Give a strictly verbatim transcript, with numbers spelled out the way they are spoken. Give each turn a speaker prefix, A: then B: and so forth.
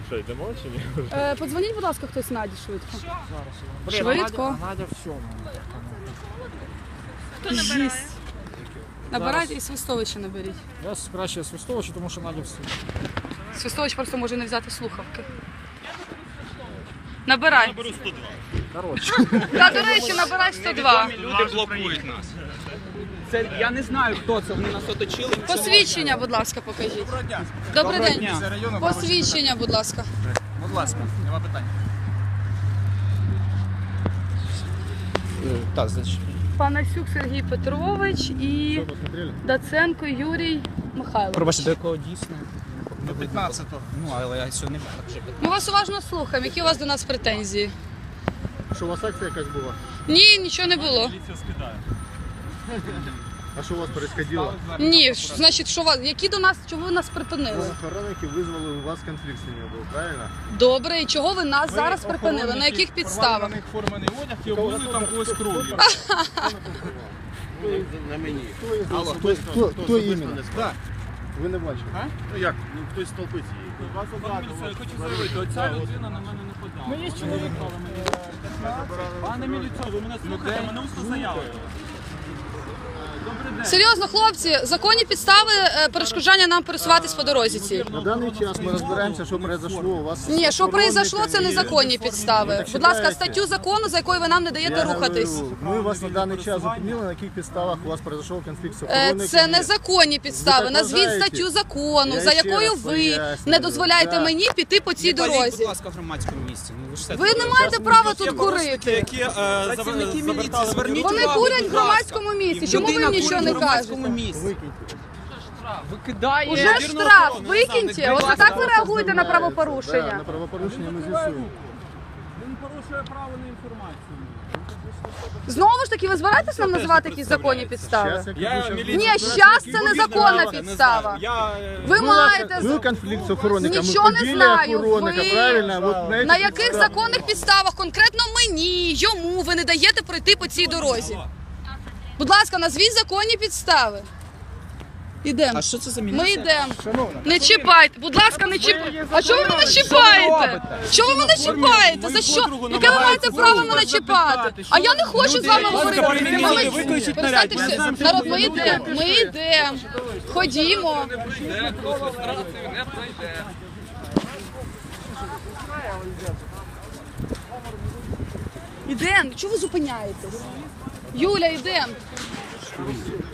A: Що, йдемо чи ні?
B: Е, подзвоніть, будь ласка, хтось Наді швидко.
C: Блін,
B: Швидко.
C: а Надя, а Надя в сьому.
D: Хто набирає?
B: Набирайте і Свистовича наберіть.
C: Я краще Свистовича, тому що Надя в сьому.
B: Свистович просто може не взяти слухавки. Набирай.
A: Наберу сто два.
C: Коротше.
B: Та, до речі, набирай сто два.
A: Люди блокують нас.
E: Це я не знаю, хто це. Вони нас оточили.
B: Посвідчення, будь ласка, покажіть. Добрий день. Посвідчення, будь ласка.
E: Будь ласка, нема питань. Так, значить.
B: Панасюк Сергій Петрович і Даценко Юрій Михайлович.
E: Пробачте, до якого дійсно? До п'ятнадцятого. Ну, але я сьогодні не так вже.
B: Ми вас уважно слухаємо. Які у вас до нас претензії?
A: Що, у вас акція якась була?
B: Ні, нічого не було.
A: А що у вас происходило?
B: Ні, ш- значить, що вас, які до нас, чого ви нас припинили?
A: Охоронники визвали у вас конфлікт з ними був, правильно?
B: Добре, і чого ви нас зараз припинили? На яких підставах?
E: Форманий одяг і облили там когось кров'ю.
A: На мені.
E: Алло,
A: Хто, хто, хто іменно?
E: Так.
A: Ви не бачили?
E: А?
A: Ну як? Ну хтось столпить її.
E: Я хочу заявити, оця людина на мене не подала. Ми є чоловік. Пане міліцію, ви мене слухаєте, мене усно заяви.
B: Серйозно, хлопці, законні підстави е, перешкоджання нам пересуватись по дорозі цій.
A: На даний час ми розбираємося, що произошло у вас.
B: Ні, що произошло, це незаконні підстави. Будь ласка, статтю закону, за якою ви нам не даєте
A: Я
B: рухатись.
A: говорю, Ми вас на даний час зупинили, на яких підставах у вас произошов конфлікт з
B: Е,
A: охоронниками.
B: Це незаконні підстави.
A: так
B: Назвіть
A: вважаєте?
B: статтю закону,
A: Я
B: за
A: ще
B: якою
A: раз
B: ви
A: пояснюю.
B: не дозволяєте
A: Так.
B: мені піти по цій
E: Не паліть,
B: дорозі.
E: будь ласка, в громадському місці. Ну, ви ж все
B: Ви не маєте права тут курити.
E: які працівники міліції, зверніть
B: Вони
E: увагу,
B: курять в
E: будь ласка.
B: громадському місці. Чому ви
E: Людина
B: їм нічого
E: курить
B: не
E: в громадському
B: кажете?
E: місці. Викидає.
B: Уже
E: Ядерну
B: штраф,
E: охорону, не знаю,
B: викиньте.
E: не
B: Ось
E: будь
B: так ви
E: ласка.
B: реагуєте на
A: Да,
B: правопорушення.
A: на правопорушення ми з'ясуємо.
E: Він порушує право на інформацію.
B: Знову ж таки, ви збираєтесь нам називати якісь законні підстави?
A: Щас, як
E: Я
A: ви ще-
E: міліцію-
B: Ні, щас це незаконна
E: Не
B: підстава.
E: знаю, Я... е,
B: Ви маєте
A: Був конфлікт з охоронниками.
B: Нічого не
A: побили
B: знаю.
A: охоронника,
B: Ви-
A: правильно? От
B: на
A: цих
B: яких
A: підставах.
B: законних підставах конкретно мені, йому ви не даєте пройти по цій дорозі? Будь ласка, назвіть законні підстави. Ідемо.
E: А що це за
B: Ми
E: міліція?
B: йдемо. Не чіпайте. Будь ласка, не чіпайте. А чого ви мене чіпаєте? Чого ви мене чіпаєте? За що? Яке ви маєте право мене чіпати? А я не хочу з вами говорити.
E: перемінили, виключіть наряд.
B: Перестаньте все. Народ, ми йдемо. Ми йдемо. Ходімо. Ідемо. Чого ви зупиняєтесь? Юля, йдемо.